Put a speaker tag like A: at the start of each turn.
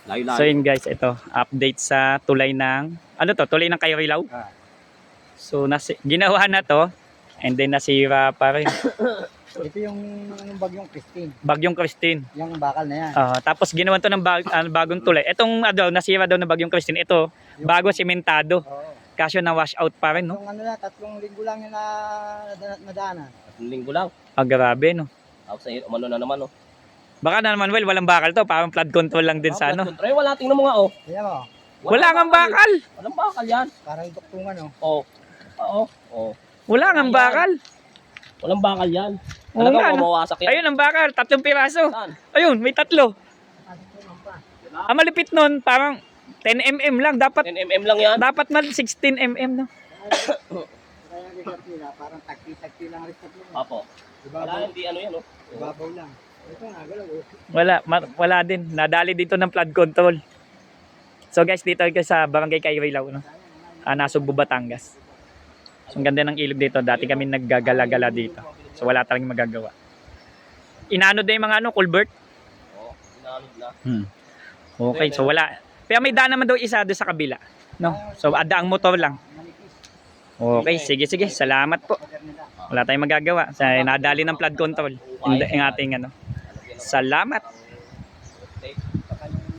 A: Layo-layo.
B: So yun guys, ito, update sa tulay ng, ano to, tulay ng Kayrilaw. So ginawa na to, and then nasira pa rin.
C: Ito yung bagyong Christine.
B: Bagyong Christine.
C: Yung bakal na yan.
B: Tapos ginawa to ng bagong tulay. Itong nasira daw ng Bagyong Christine. Ito, bago sementado.
C: Oo.
B: Kaso na wash out pa rin, no?
C: Yung ano na, 3 linggo lang yung nadaanan.
A: 3 linggo lang.
B: Grabe, no?
A: Tapos umano na naman, oh.
B: Baka na naman, walang bakal to. Parang flood control lang din sa ano.
A: Control. Wala, tingnan mo nga, oh.
C: Kaya mo,
B: Wala nga bakal.
A: Walang bakal yan.
C: parang duktungan, oh.
A: Oh. Oo. Oh.
B: Wala nga bakal.
A: Walang bakal yan.
B: Oo
A: Talagang
B: nga, no?
A: mawasak yan.
B: Ayun ang bakal, 3 piraso.
A: Saan?
B: Ayun, may 3. Ang malipit nun, parang 10 mm lang.
A: 10 mm lang yan.
B: Dapat mal 16 mm, no?
C: Kaya yung nila, parang tagpi-tagpi lang rin tatlo.
A: Apo. Wala,
C: Ibabaw,
A: hindi ano yan, oh.
C: ibabaw lang. Ito nga, galaw, oh.
B: Wala din. Nadali dito ng flood control. So guys, dito ka sa Barangay Kayrilaw, no? Nasugbu, Batangas. So ang ganda ng ilog dito. Dati kami naggagala-gala dito. So wala talagang magagawa. Inano din yung mga ano, culvert.
A: Oh, inalog na.
B: Okay, so wala. Pero may daan naman daw isa doon sa kabila. No? So adaang motor lang. Okay, sige. Salamat po. Wala tayong magagawa. Sa nadali ng flood control. Yung ating ano. Salamat.